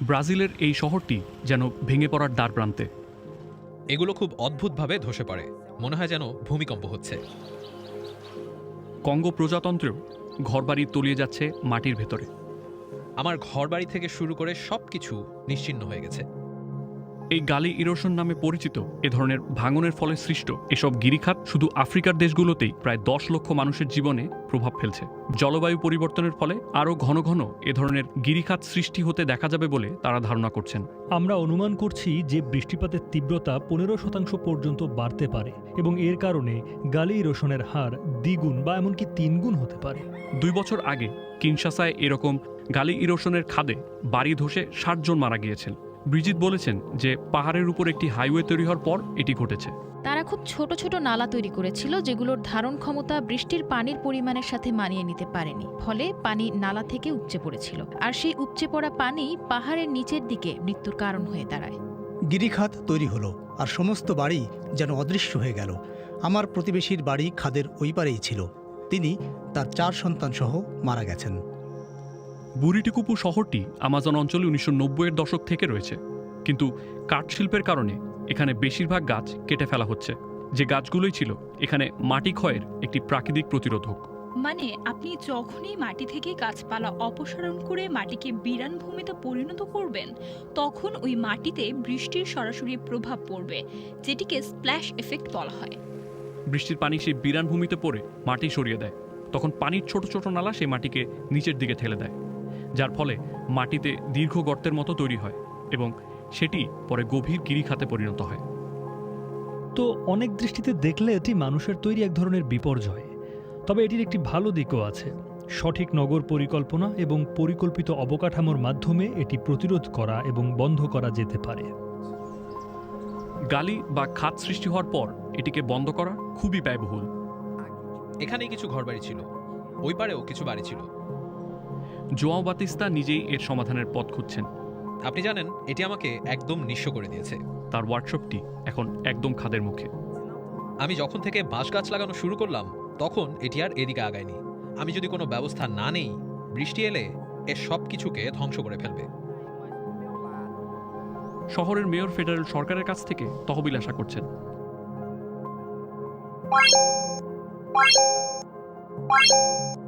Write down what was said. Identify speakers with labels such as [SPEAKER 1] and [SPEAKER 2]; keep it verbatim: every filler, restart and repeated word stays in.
[SPEAKER 1] ব্রাজিলের এই শহরটি যেন ভেঙে পড়ার দ্বারপ্রান্তে।
[SPEAKER 2] এগুলো খুব অদ্ভুতভাবে ধসে পড়ে, মনে হয় যেন ভূমিকম্প হচ্ছে।
[SPEAKER 1] কঙ্গো প্রজাতন্ত্রেও ঘরবাড়ি তলিয়ে যাচ্ছে মাটির ভেতরে।
[SPEAKER 2] আমার ঘরবাড়ি থেকে শুরু করে সবকিছু নিশ্চিহ্ন হয়ে গেছে।
[SPEAKER 1] এই গালি ইরোশন নামে পরিচিত এ ধরনের ভাঙনের ফলে সৃষ্ট এসব গিরিখাত শুধু আফ্রিকার দেশগুলোতেই প্রায় দশ লক্ষ মানুষের জীবনে প্রভাব ফেলছে। জলবায়ু পরিবর্তনের ফলে আরও ঘন ঘন এ ধরনের গিরিখাত সৃষ্টি হতে দেখা যাবে বলে তারা ধারণা করছেন।
[SPEAKER 3] আমরা অনুমান করছি যে বৃষ্টিপাতের তীব্রতা পনেরো শতাংশ পর্যন্ত বাড়তে পারে এবং এর কারণে গালি ইরোশনের হার দ্বিগুণ বা এমনকি তিনগুণ হতে পারে।
[SPEAKER 1] দুই বছর আগে কিনশাসায় এরকম গালি ইরোশনের খাদে বাড়ি ধসে ষাট জন মারা গিয়েছেন। ব্রিজিত বলেছেন যে পাহাড়ের উপর একটি হাইওয়ে তৈরি হওয়ার পর এটি ঘটেছে।
[SPEAKER 4] তারা খুব ছোট ছোট নালা তৈরি করেছিল যেগুলোর ধারণ ক্ষমতা বৃষ্টির পানির পরিমাণের সাথে মানিয়ে নিতে পারেনি, ফলে পানি নালা থেকে উপচে পড়েছিল, আর সেই উপচে পড়া পানি পাহাড়ের নিচের দিকে মৃত্যুর কারণ হয়ে দাঁড়ায়।
[SPEAKER 5] গিরিখাত তৈরি হলো আর সমস্ত বাড়ি যেন অদৃশ্য হয়ে গেল। আমার প্রতিবেশীর বাড়ি খাদের ওই পারেই ছিল। তিনি তার চার সন্তান সহ মারা গেছেন।
[SPEAKER 1] বুরিটিকুপু শহরটি আমাজন অঞ্চলে উনিশশো নব্বই এর দশক থেকে রয়েছে, কিন্তু কাঠ শিল্পের কারণে এখানে বেশিরভাগ গাছ কেটে ফেলা হচ্ছে, যে গাছগুলোই ছিল এখানে মাটি ক্ষয়ের একটি প্রাকৃতিক প্রতিরোধক।
[SPEAKER 6] মানে আপনি যখনই মাটি থেকে গাছপালা অপসারণ করে মাটিকে বিরান ভূমিতে পরিণত করবেন, তখন ওই মাটিতে বৃষ্টির সরাসরি প্রভাব পড়বে, যেটিকে স্প্ল্যাশ এফেক্ট বলা হয়।
[SPEAKER 1] বৃষ্টির পানি সেই বিরান ভূমিতে পড়ে মাটি সরিয়ে দেয়, তখন পানির ছোট ছোট নালা সেই মাটিকে নিচের দিকে ঠেলে দেয়, যার ফলে মাটিতে দীর্ঘ গর্তের মতো তৈরি হয় এবং সেটি পরে গভীর গিরিখাতে পরিণত হয়।
[SPEAKER 3] তো অনেক দৃষ্টিতে দেখলে এটি মানুষের তৈরি এক ধরনের বিপর্যয়, তবে এটির একটি ভালো দিকও আছে। সঠিক নগর পরিকল্পনা এবং পরিকল্পিত অবকাঠামোর মাধ্যমে এটি প্রতিরোধ করা এবং বন্ধ করা যেতে পারে।
[SPEAKER 1] গালি বা খাত সৃষ্টি হওয়ার পর এটিকে বন্ধ করা খুবই ব্যয়বহুল।
[SPEAKER 2] এখানেই কিছু ঘরবাড়ি ছিল, ওই পারেও কিছু বাড়ি ছিল।
[SPEAKER 1] জোয়াও বাতিস্তা নিজেই এর সমাধানের পথ খুঁজছেন।
[SPEAKER 2] আপনি জানেন, এটি আমাকে একদম নিঃস্ব করে দিয়েছে।
[SPEAKER 1] তার ওয়ার্কশপটি এখন একদম খাদের মুখে।
[SPEAKER 2] আমি যখন থেকে বাঁশ গাছ লাগানো শুরু করলাম, তখন এটি আর এদিকে আগায়নি। আমি যদি কোনো ব্যবস্থা না নেই, বৃষ্টি এলে এ সব কিছুকে ধ্বংস করে ফেলবে।
[SPEAKER 1] শহরের মেয়র ফেডারেল সরকারের কাছ থেকে তহবিল আশা করছেন।